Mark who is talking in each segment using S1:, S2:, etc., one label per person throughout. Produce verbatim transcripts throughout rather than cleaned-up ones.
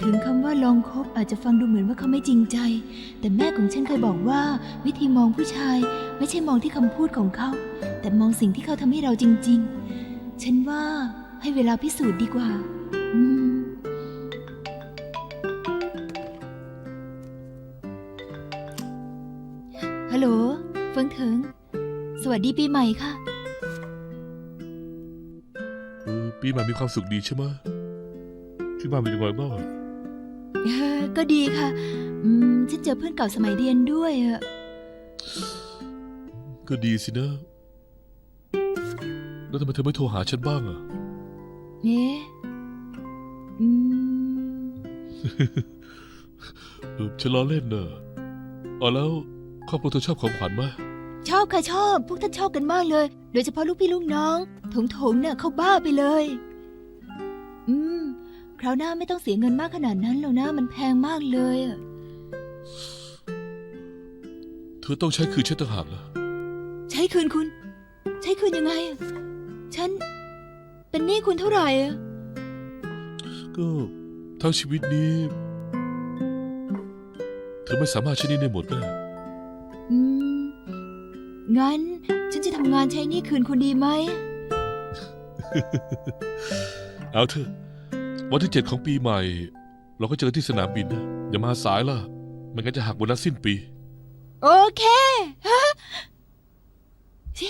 S1: ถึงคำว่าลองคบอาจจะฟังดูเหมือนว่าเขาไม่จริงใจ แต่แม่ของฉันเคยบอกว่าวิธีมองผู้ชายไม่ใช่มองที่คำพูดของเขาแต่มองสิ่งที่เขาทำให้เราจริงๆฉันว่าให้เวลาพิสูจน์ดีกว่าอืมฮัลโหลเฟิงเถิงสวัสดีปีใหม่ค่ะ
S2: เออปีใหม่มีความสุขดีใช่ไหมที่บ้านเป็นยังไงบ้าง
S1: เออก็ดีค่ะอืมฉันเจอเพื่อนเก่าสมัยเรียนด้วยอะ
S2: ก็ดีสินะแล้วทำไมเธอไม่โทรหาฉันบ้างอ่ะ
S1: เอ๊ะอืม
S2: เออฉันล้อเล่นเนอะอ๋อแล้วครอบครัวเธอชอบของขวัญไหม
S1: ชอบค่ะชอบพวกท่านชอบกันมากเลยโดยเฉพาะลูกพี่ลูกน้องถงถงเนี่ยเขาบ้าไปเลยอืมคราวหน้าไม่ต้องเสียเงินมากขนาดนั้นหรอกนะมันแพงมากเลยอะ
S2: เธอต้องใช้คืนฉันต่างหากเหรอ
S1: ใช้คืนคุณ ใช้คืนยังไงอะฉันเป็นหนี้คุณเท่าไหร่อะ
S2: ก็ทั้งชีวิตนี้ เธอไม่สามารถใช้หนี้ได้หมดแน่
S1: อืมงั้นฉันจะทำงานใช้หนี้คืนคุณดีไหม
S2: เอาเถอะวันที่เจ็ดของปีใหม่ เราก็เจอที่สนามบินนะอย่ามาสายล่ะไม่งั้นจะหักโบนัสสิ้นปี
S1: โอเคฮะสิ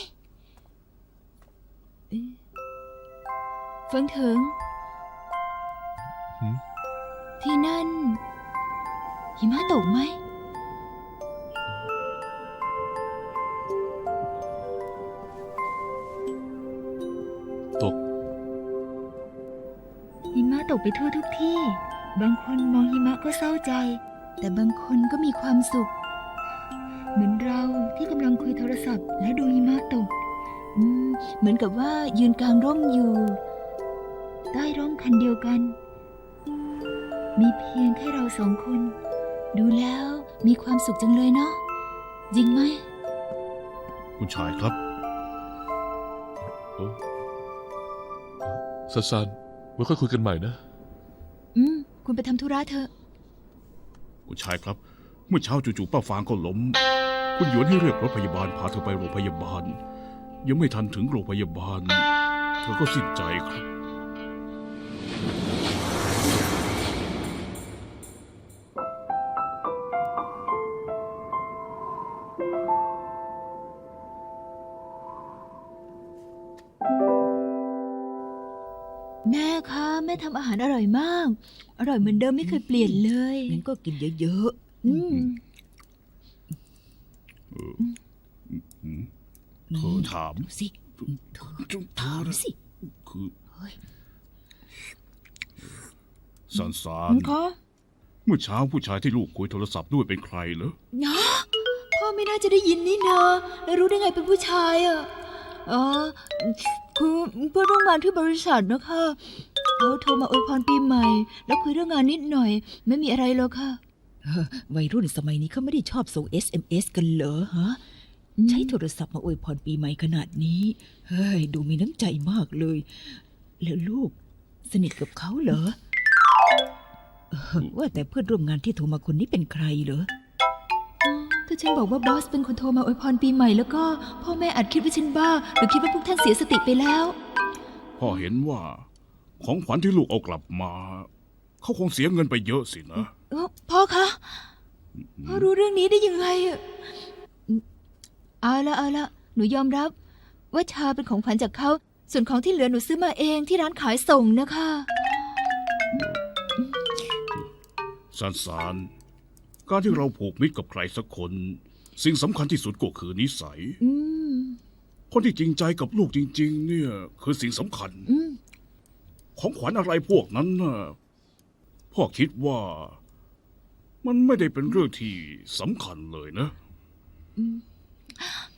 S1: เอ๊ะเฟิงเถิง
S2: หืม
S1: ที่นั่นหิมะตกไหม
S2: ตก
S1: หิมะตกไปทั่วทุกที่ บางคนมองหิมะก็เศร้าใจ แต่บางคนก็มีความสุข เหมือนเราที่กำลังคุยโทรศัพท์และดูหิมะตกอืมเหมือนกับว่ายืนกลางร่มอยู่ ใต้ร่มคันเดียวกัน มีเพียงแค่เราสองคน ดูแล้วมีความสุขจังเลยเนาะจริงไหม
S3: คุณชายครับ
S2: เออซันซันไว้ค่อยคุยกันใหม่นะ
S1: อืมคุณไปทำธุระเถอะ
S3: คุณชายครับ เมื่อเช้าจู่ๆป้าฟางก็ล้ม คุณหยวนให้เรียกรถพยาบาลพาเธอไปโรงพยาบาล ยังไม่ทันถึงโรงพยาบาล เธอก็สิ้นใจครับ
S1: แม่คะแม่ทำอาหารอร่อยมาก อร่อยเหมือนเดิมไม่เคยเปลี่ยนเลย
S4: งั้นก็กินเยอะ
S1: อืม
S4: ๆ
S3: เธอถาม
S4: ดูสิถามสิ
S3: คือ
S4: เฮ้ย
S3: สันสาน
S1: คะ
S3: เมื่อเช้าผู้ชายที่ลูกคุยโทรศัพท์ด้วยเป็นใครเหรอ
S1: เนาะพ่อไม่น่าจะได้ยินนี่นาแล้วรู้ได้ไงเป็นผู้ชายอ่ะอ๋อคือเพื่อนร่วมงานที่บริษัทนะคะเขาโทรมาอวยพรปีใหม่ แล้วคุยเรื่องงานนิดหน่อย ไม่มีอะไรหรอกค่ะ
S4: วัยรุ่นสมัยนี้เขาไม่ได้ชอบส่ง เอส เอ็ม เอส กันเหรอฮะ
S1: อืม
S4: ใช้โทรศัพท์มาอวยพรปีใหม่ขนาดนี้ เฮ้ย ดูมีน้ำใจมากเลย แล้วลูกสนิทกับเขาเหรอเออว่าแต่เพื่อนร่วมงานที่โทรมาคนนี้เป็นใครเหรอ
S1: ถ้าฉันบอกว่าบอสเป็นคนโทรมาอวยพรปีใหม่แล้วก็พ่อแม่อาจคิดว่าฉันบ้า หรือคิดว่าพวกท่านเสียสติไปแล้ว
S3: พ่อเห็นว่า ของขวัญที่ลูกเอากลับมา เขาคงเสียเงินไปเยอะสินะ
S1: เอ้าพ่อคะ พ่อรู้เรื่องนี้ได้ยังไงอะอืมเอาละเอาละหนูยอมรับ ว่าชาเป็นของขวัญจากเขา ส่วนของที่เหลือหนูซื้อมาเองที่ร้านขายส่งนะคะ
S3: สันสาน การที่เราผูกมิตรกับใครสักคน สิ่งสำคัญที่สุดก็คือนิสัย
S1: อืม
S3: คนที่จริงใจกับลูกจริง ๆ เนี่ย คือสิ่งสำคัญ
S1: อืม
S3: ของขวัญอะไรพวกนั้นน่ะพ่อคิดว่า มันไม่ได้เป็นเรื่องที่สำคัญเลยนะ
S1: อืม